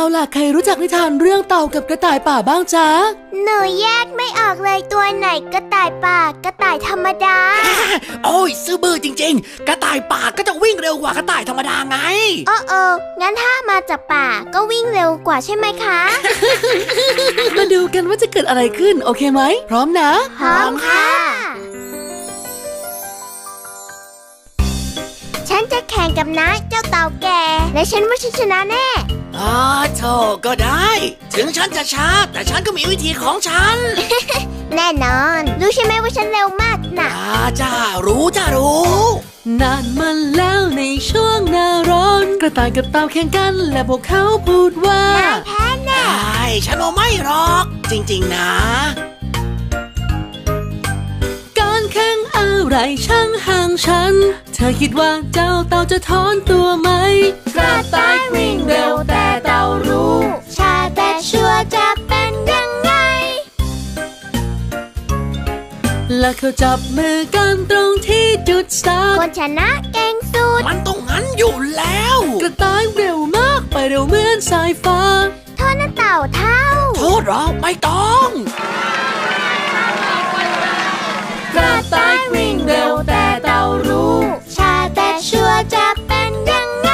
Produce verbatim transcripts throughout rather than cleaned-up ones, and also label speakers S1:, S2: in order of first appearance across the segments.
S1: ล่ะใครรู้จักนิทานเรื่องเต่ากับกระต่ายป่าบ้างจ๊ะ
S2: หนูแยกไม่ออกเลยตัวไหนกระต่ายป่ากระต่ายธรรมดา
S3: โอ้ยซื่อบื้อจริงๆกระต่ายป่าก็จะวิ่งเร็วกว่ากระต่ายธรรมดาไง
S2: โอ้โอ้งั้นถ้ามาจากป่าก็วิ่งเร็วกว่าใช่ไหมคะ
S1: มาดูกันว่าจะเกิดอะไรขึ้นโอเคไหมพร้อมนะ
S2: พร้อมค่ะฉันจะแข่งกับน้าเจ้าเต่าแก่และฉันว่าฉันชนะแน่
S3: อ๋อโธ่ก็ได้ถึงฉันจะช้าแต่ฉันก็มีวิธีของฉัน
S2: แน่นอนรู้ใช่ไหมว่าฉันเร็วมากนะ
S3: อ่าจ้ารู้จ้ารู้
S1: นานมาแล้วในช่วงหน้าร้อนกระต่ายกับเต่าแข่งกันและพวกเขาพูดว่าน
S2: ายแพ้แน่
S3: ใช่ฉันว่าไม่หรอกจริงๆนะ
S1: การแข่งอะไรช่างห่างฉันเธอคิดว่าเจ้าเต่าจะถอนตัวไหม
S2: กระต่ายวิ่งเร็วแต่เต่ารู้ชาแต่ชัวร์จะเป็นยังไง
S1: และเขาจับมือกันตรงที่จุดสตาร์ท
S2: คนชนะเก่งสุด
S3: มันต้องงั้นอยู่แล้ว
S1: กระต่ายเร็วมากไปเร็วเหมือนสายฟ้า
S2: โทษนะเต่าเท่า
S3: โทษหรอไม่ต้อง
S2: กระต่ายวิ่งเร็วแต่เต่ารู้ชาแต่ชัวร์จะเป็นยังไง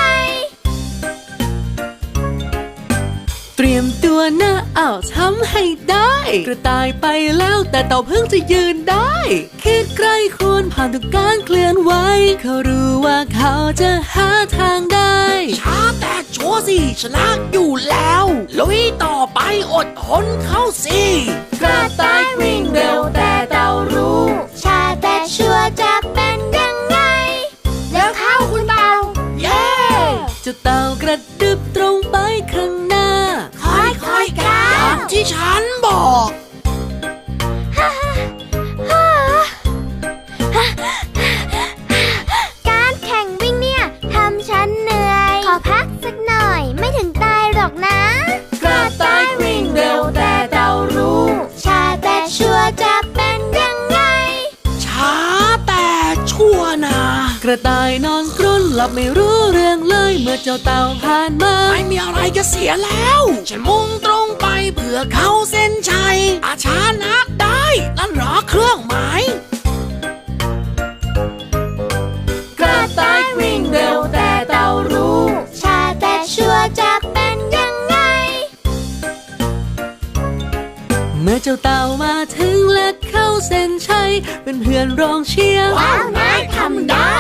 S1: เตรียมตัวนะอ้าวทำให้ได้กระต่ายไปแล้วแต่เต่าเพิ่งจะยืนได้คิดใกล้ควรผ่านทุกการเคลื่อนไหวเขารู้ว่าเขาจะหาทางได้
S3: ช้าแต่ชัวร์สิชนะอยู่แล้วลุยต่อไปอดทนเข้าสิ
S2: กระต่ายวิ่งเร็วแต่เต่ารู้ชาแต่ชัวร์จะเป็นยังไงแล้วเข้าคุณเต่า
S3: เย้
S1: เจ้าเต่ากระดึบตรงไปข้างหน้า
S3: ค่อยๆก้าวอย่างที่ฉันบอก
S2: การแข่งวิ่งเนี่ยทำฉันเหนื่อยขอพักสักหน่อยไม่ถึงตายหรอกนะ
S1: กระต่ายวิ่งเร็วแต่เต่ารู้
S2: ชาแต่ชัวร์จะเป็นยังไง
S3: ช้าแต่ชัวร์นะ
S1: กระต่ายนอนกรนหลับไม่รู้เรื่องเลยเมื่อเจ้าเต่าผ่านมา
S3: ไม่มีอะไรจะเสียแล้วฉันมุ่งตรงไปเพื่อเข้าเส้นชัยอาชานักได้นั่นหรอเครื่องหมาย
S1: กระต่ายวิ่งเร็วแต่เต่ารู้
S2: ชาแต่ชัวร์จะเป็นยังไง
S1: เมื่อเจ้าเต่ามาถึงและเข้าเส้นชัยเป็นเพื่อนร้องเชียร์
S2: ว้าวนายทำได้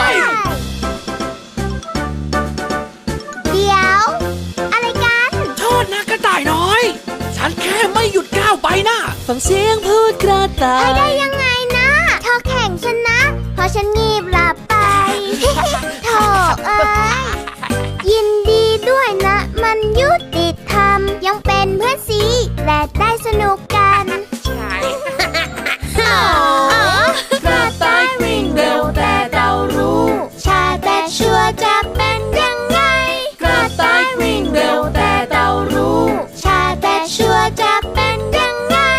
S2: เดี๋ยวอะไรกัน
S3: โทษนะกระต่ายน้อยฉันแค่ไม่หยุดก้าวไปนะ
S1: ฟังเสียงพูดกระต่าย
S2: ได้ยังไงนะเธอแข่งฉันนะเพราะฉันงีบหลับไปโธ่เอ้ยยินดีด้วยนะมันยุติธรรมยังเป็นเพื่อนสีและได้สนุกกัน
S3: ใช่
S2: กระต่ายวิ่งเร็วแต่เต่ารู้ชาแต่ชัวร์จะเป็นยังไง
S1: กระต่ายวิ่งเร็วแต่เต่ารู้
S2: ชาแต่ชัวร์จะเป็นยังไง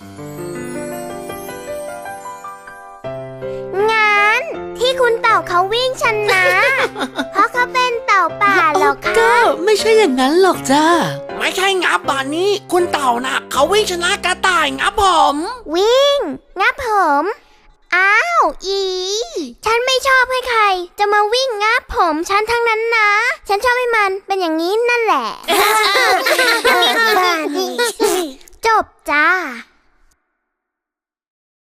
S2: งั้นที่คุณเต่าเขาวิ่งชนะเพราะเขาเป็นเต่าป่าหรอกค่ะ
S1: ก็ไม่ใช่อย่างนั้นหรอกจ้า
S3: ไม่ใช่งับบ่านี้คุณเต่าน่ะเขาวิ่งชนะกระต่ายงับผม
S2: วิ่งงับผมอ้าวอีฉันไม่ชอบให้ใครจะมาวิ่งงับผมฉันทั้งนั้นนะฉันชอบให้มันเป็นอย่างนี้นั่นแหละ